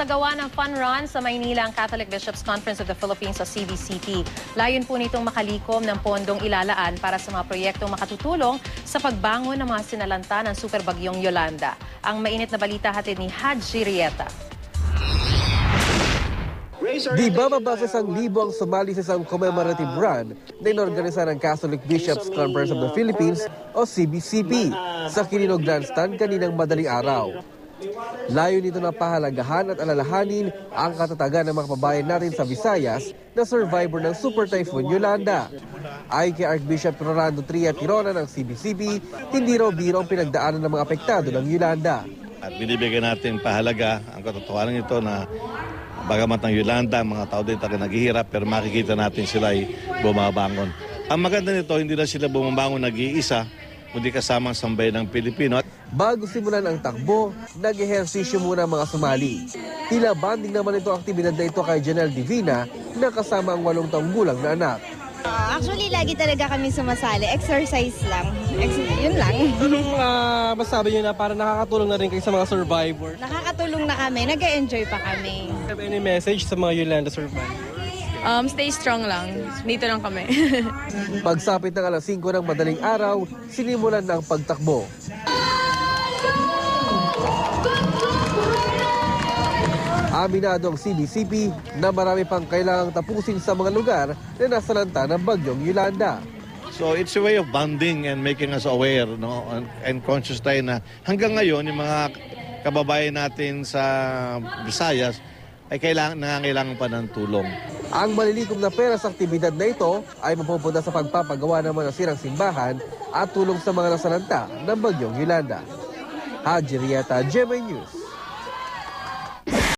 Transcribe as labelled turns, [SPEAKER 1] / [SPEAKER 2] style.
[SPEAKER 1] Nagsagawa ng fun run sa Maynila ang Catholic Bishops' Conference of the Philippines o CBCP. Layon po nitong makalikom ng pondong ilalaan para sa mga proyektong makatutulong sa pagbangon ng mga sinalanta ng superbagyong Yolanda. Ang mainit na balita hatid ni Haji Rieta.
[SPEAKER 2] Di bababa sa 1,000 ang sumali sa isang commemorative run na inorganisa ng Catholic Bishops' Conference of the Philippines o CBCP sa Quirino Grandstand kaninang madaling araw. Layo nito na pahalagahan at alalahanin ang katatagan ng mga kababayan natin sa Visayas na survivor ng Super Typhoon Yolanda. Ayon kay Archbishop Rolando Tria Tirona ng CBCP, hindi raw biro ang pinagdaanan ng mga apektado ng Yolanda.
[SPEAKER 3] At binibigyan natin pahalaga ang katotohanan ito na bagamat ng Yolanda, mga tao din talaga naghihirap pero makikita natin sila ay bumabangon. Ang maganda nito, hindi na sila bumabangon nag-iisa, kundi kasama ang sambayan ng Pilipino.
[SPEAKER 2] Bago simulan ang takbo, nag-ehersisyo muna ang mga sumali. Tila banding naman ito ang aktibidad na ito kay Janelle Divina na kasama ang 8 taong gulang na anak.
[SPEAKER 4] Actually, lagi talaga kami sumasali. Exercise lang. Yun lang.
[SPEAKER 5] Anong masabi niyo na para nakakatulong na rin kayo sa mga survivor?
[SPEAKER 4] Nakakatulong na kami. Nag-e-enjoy pa kami.
[SPEAKER 5] Have any message sa mga Yolanda survivors?
[SPEAKER 6] Stay strong lang. Dito lang kami.
[SPEAKER 2] Pagsapit ng alas 5 ng madaling araw, sinimulan na ang pagtakbo. Aminado ang CBCP na marami pang kailangang tapusin sa mga lugar na nasalanta ng bagyong Yolanda.
[SPEAKER 3] So it's a way of bonding and making us aware, no? And conscious tayo na hanggang ngayon yung mga kababayan natin sa Visayas ay nangangailangan pa ng tulong.
[SPEAKER 2] Ang malilikom na pera sa aktibidad na ito ay mapupunta sa pagpapagawa ng mga nasirang simbahan at tulong sa mga nasalanta ng bagyong Yolanda. Haji Rieta, GMA News.